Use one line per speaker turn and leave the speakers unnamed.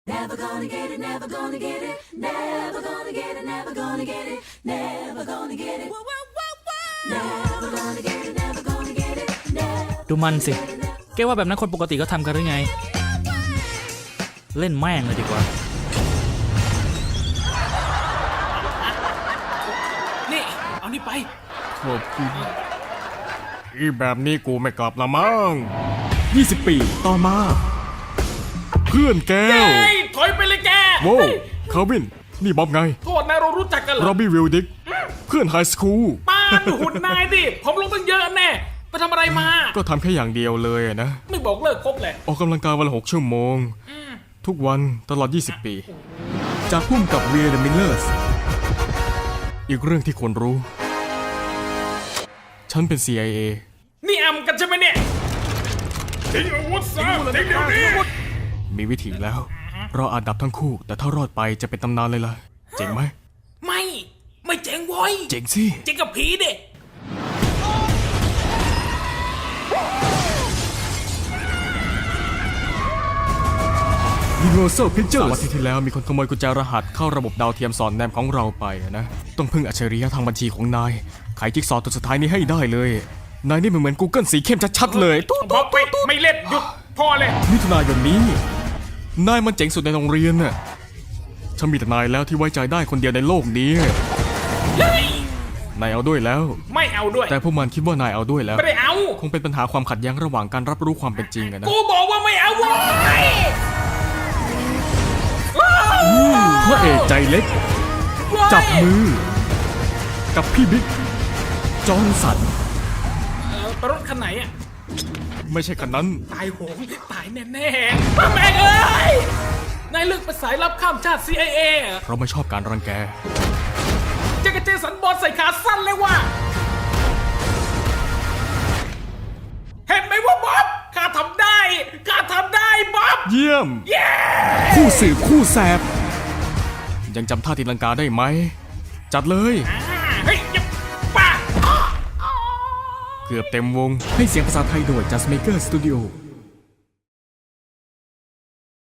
Never gonna get it, never gonna get it, never gonna get it, never gonna get it, never gonna get it, never gonna get it, never gonna get it, never.
ดูมันสิแกว่าแบบนั้นคนปกติก็ทำกันหรือไงเล่นแม่งเลยดีกว่า
นี่เอานี่ไป
ขอบคุณอีแบบนี้กูไม่กลับละมั้ง20 ปีต่อมาเพื่อนแก้ว
เฮ้ยถอยไปเลยแก
โว้คาวินนี่บ๊อบไง
โทษนะเรารู้จักกันเหร
โร
อ
บี้วิลดิกเพื่อนไฮสคูล
ป้าดูหุ่นนายดิผมลงตั้งเยอะแน่ไปทำอะไรมา
ก็ทำแค่อย่างเดียวเลยนะ
ไม่บอกเลิกครบเลย
ออกกำลังกายวันละ6 ชั่วโมงทุกวันตลอด20 ปี จากพุ่มกับเวียร์เดอะมิลเลอร์สอีกเรื่องที่ควรรู้ ฉันเป็น CIA
นี่อำกันใช่ไหมเนี่ยทิ้งอาวุธซะทิ้งเดี๋ยวนี้
มีวิธีแล้วเราอาจดับทั้งคู่แต่ถ้ารอดไปจะเป็นตำนานเลยล่ะเจ๋งไหม
ไม่เจ๋งโว้ย
เจ๋งสิ
เจ๋งกับผีดิ
Universal Pictures วันที่แล้วมีคนขโมยกุญแจรหัสเข้าระบบดาวเทียมสอดแนมของเราไปนะต้องพึ่งอัจฉริยะทางบัญชีของนายไขจิ๊กซอว์ตัวสุดท้ายนี้ให้ได้เลยนายนี่เหมือน Google สีเข้มชัดๆเลยตุ๊ด
บอกไม่เล่นหยุดพอเลย
มิถุนายนนี้นายมันเจ๋งสุดในโรงเรียนน่ะฉันมีแต่นายแล้วที่ไว้ใจได้คนเดียวในโลกนี้นายเอาด้วยแล้ว
ไม่เอาด้วย
แต่พวกมันคิดว่านายเอาด้วยแล้ว
ไม่ได้เอา
คงเป็นปัญหาความขัดแย้งระหว่างการรับรู้ความเป็นจริงอะนะ
กูบอกว่าไม่เอาโว้ย
พระเอกใจเล็กจับมือกับพี่บิ๊กจอห์นสัน
ไปรถคันไหนอ่ะ
ไม่ใช่คันนั้น
ตายโหงตายแน่ๆป้าแม่งเอ้ยนายเลือกเป็นสายลับข้ามชาติ CIA เหรอ
เราไม่ชอบการรังแก
จะกระเจสันบอลใส่ขาสั้นเลยว่ะเห็นไหมว่าบ๊อบข้าทำได้บ๊อบ
เยี่ยม คู่สืบคู่แสบ ยังจำท่าตีลังกาได้ไหม จัดเลย
เฮ้ยอย่าป้า
เกือบเต็มวง ให้เสียงภาษาไทยโดย Just Maker Studio